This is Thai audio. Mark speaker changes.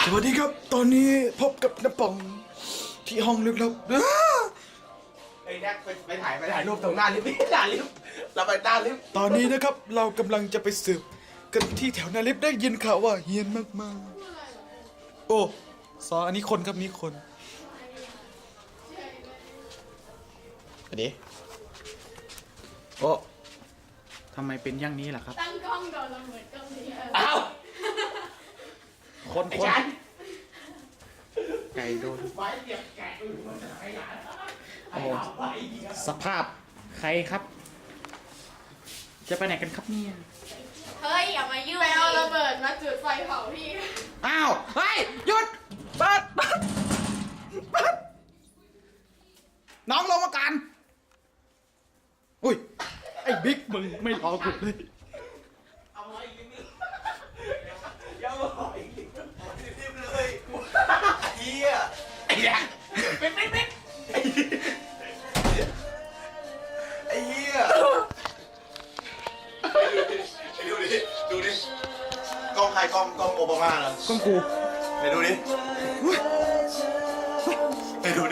Speaker 1: สวัสดีครับตอนนี้พบกับน้าป่องที่ห้องลึกลับ
Speaker 2: ไอ้แน็กไปถ่ายรูปตรงหน้าลิฟต์หน้าลิฟต์เราไปหน้าลิฟต์
Speaker 1: ตอนนี้นะครับเรากำลังจะไปสืบกันที่แถวนาลิฟต์ได้ยินข่าวว่าเฮี้ยนมากๆโอ้อันนี้คนครับนี่คนอันนี้โอ้ทำไมเป็นอย่างนี้ล่ะครับ
Speaker 3: ตั้งกล้องโดนเราเหมือนกล้องนี้
Speaker 2: อ้าว
Speaker 1: คน
Speaker 2: ไอ้ฉัน
Speaker 1: ไก่โดน
Speaker 2: ไม้เสียบแกะอยู่บนไอ้หลาน
Speaker 1: โอ้สภาพใครครับ จะไปไหนกันครับเนี่ย
Speaker 3: เฮ้ยอย่ามายุ่งไปเอาระเบิดมาจุดไฟเผาพี่
Speaker 1: อ้าวเฮ้ยหยุดเปิดน้องลงมากันอุ้ยไอ้บิ๊กมึงไม่รอกูเลย
Speaker 2: เอาไว้อีกนิดอย่ามาอีกนิดรีบเลยเฮียไอ้แน็กเป็นไอ้เฮียดูดิกล้องใครกล้องโอบามาเหรอ
Speaker 1: ก้องกู
Speaker 2: ไปดูดิไปดูดิ